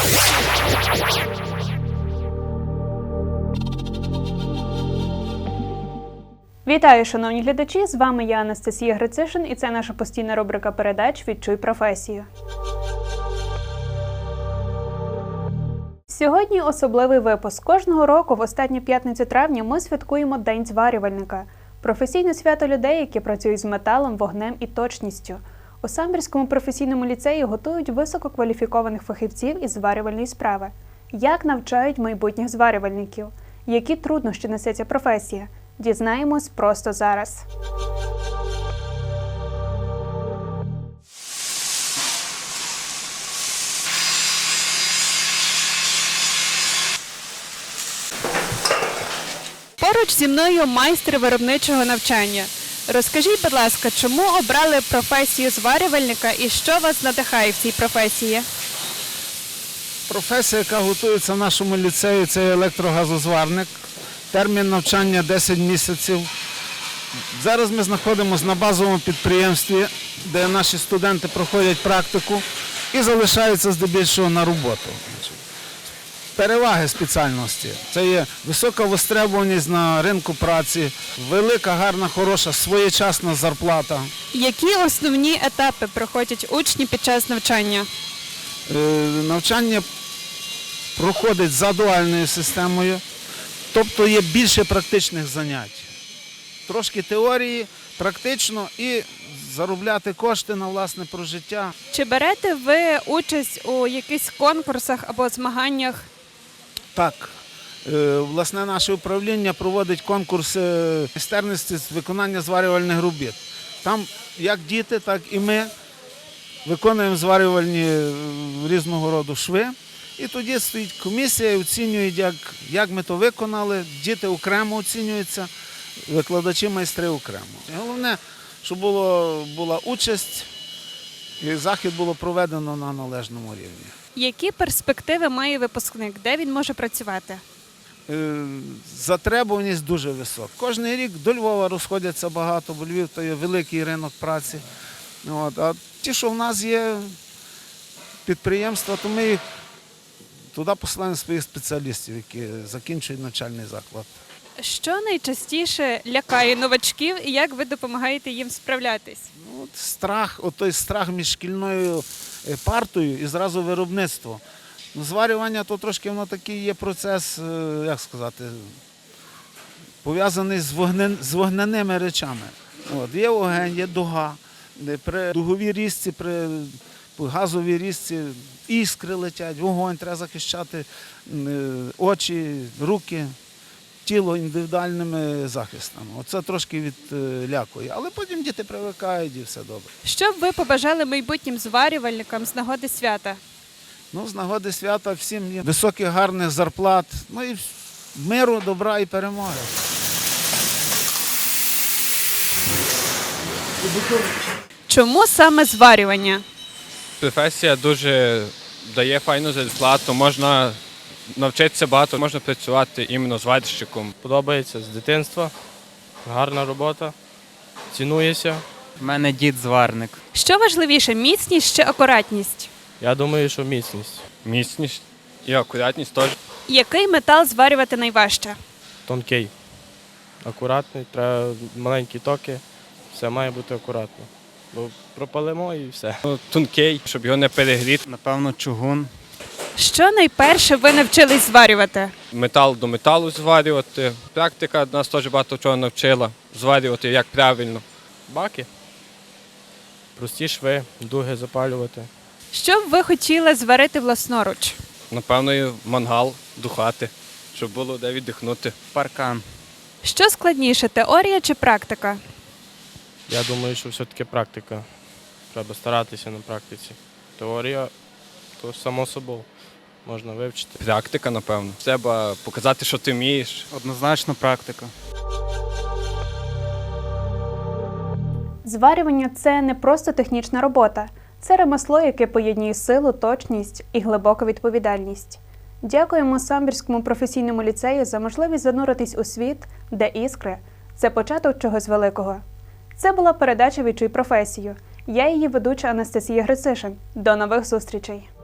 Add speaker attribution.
Speaker 1: Вітаю, шановні глядачі! З вами я, Анастасія Грицишин, і це наша постійна рубрика передач «Відчуй професію». Сьогодні особливий випуск. Кожного року в останню п'ятницю травня ми святкуємо День зварювальника – професійне свято людей, які працюють з металом, вогнем і точністю. У Самбірському професійному ліцеї готують висококваліфікованих фахівців із зварювальної справи. Як навчають майбутніх зварювальників? Які труднощі несе ця професія? Дізнаємось просто зараз. Поруч зі мною майстер виробничого навчання. Розкажіть, будь ласка, чому обрали професію зварювальника і що вас надихає в цій професії?
Speaker 2: Професія, яка готується в нашому ліцеї, це електрогазозварник. Термін навчання 10 місяців. Зараз ми знаходимося на базовому підприємстві, де наші студенти проходять практику і залишаються здебільшого на роботу. Переваги спеціальності – це є висока востребованість на ринку праці, велика, гарна, хороша, своєчасна зарплата.
Speaker 1: Які основні етапи проходять учні під час навчання?
Speaker 2: Навчання проходить за дуальною системою, тобто є більше практичних занять. Трошки теорії, практично і заробляти кошти на власне прожиття.
Speaker 1: Чи берете ви участь у якихось конкурсах або змаганнях?
Speaker 2: Так, власне наше управління проводить конкурси майстерності з виконання зварювальних робіт. Там як діти, так і ми виконуємо зварювальні різного роду шви. І тоді стоїть комісія і оцінюють, як ми то виконали. Діти окремо оцінюються, викладачі, майстри окремо. Головне, щоб була участь і захід було проведено на належному рівні.
Speaker 1: Які перспективи має випускник? Де він може працювати?
Speaker 2: Затребуваність дуже висока. Кожний рік до Львова розходяться багато, бо Львів – то є великий ринок праці. А ті, що в нас є підприємства, то ми їх туди посилаємо своїх спеціалістів, які закінчують навчальний заклад.
Speaker 1: Що найчастіше лякає новачків і як ви допомагаєте їм справлятись?
Speaker 2: Той страх між шкільною партою і зразу виробництво. Зварювання то трошки воно такий є процес, як сказати, пов'язаний з вогняними речами. Є вогонь, є дуга. При дуговій різці, при газовій різці іскри летять, вогонь, треба захищати очі, руки, тіло індивідуальними захистами. Оце трошки відлякує. Але потім діти привикають і все добре.
Speaker 1: Що б ви побажали майбутнім зварювальникам з нагоди свята?
Speaker 2: З нагоди свята всім є високих, гарних зарплат, і миру, добра і перемоги.
Speaker 1: Чому саме зварювання?
Speaker 3: Професія дуже дає файну зарплату, можна навчитися багато, можна працювати іменно зварщиком.
Speaker 4: Подобається з дитинства, гарна робота, цінується.
Speaker 5: У мене дід зварник.
Speaker 1: Що важливіше – міцність чи акуратність?
Speaker 4: Я думаю, що міцність.
Speaker 3: Міцність і акуратність теж.
Speaker 1: Який метал зварювати найважче?
Speaker 4: Тонкий, акуратний, треба маленькі токи, все має бути акуратно. Бо пропалимо і все.
Speaker 3: Тонкий, щоб його не перегріти.
Speaker 5: Напевно, чугун.
Speaker 1: Що найперше ви навчились зварювати?
Speaker 3: Метал до металу зварювати. Практика нас теж багато чого навчила. Зварювати як правильно.
Speaker 4: Баки, прості шви, дуги запалювати.
Speaker 1: Що б ви хотіли зварити власноруч?
Speaker 3: Напевно, і мангал, духати, щоб було де віддихнути.
Speaker 5: Паркан.
Speaker 1: Що складніше – теорія чи практика?
Speaker 4: Я думаю, що все-таки практика. Треба старатися на практиці. Теорія – то само собою можна вивчити.
Speaker 3: Практика, напевно. Треба показати, що ти вмієш.
Speaker 5: Однозначно практика.
Speaker 1: Зварювання – це не просто технічна робота. Це ремесло, яке поєднує силу, точність і глибоку відповідальність. Дякуємо Самбірському професійному ліцею за можливість зануритись у світ, де іскри – це початок чогось великого. Це була передача «Відчуй професію». Я її ведуча Анастасія Грицишин. До нових зустрічей!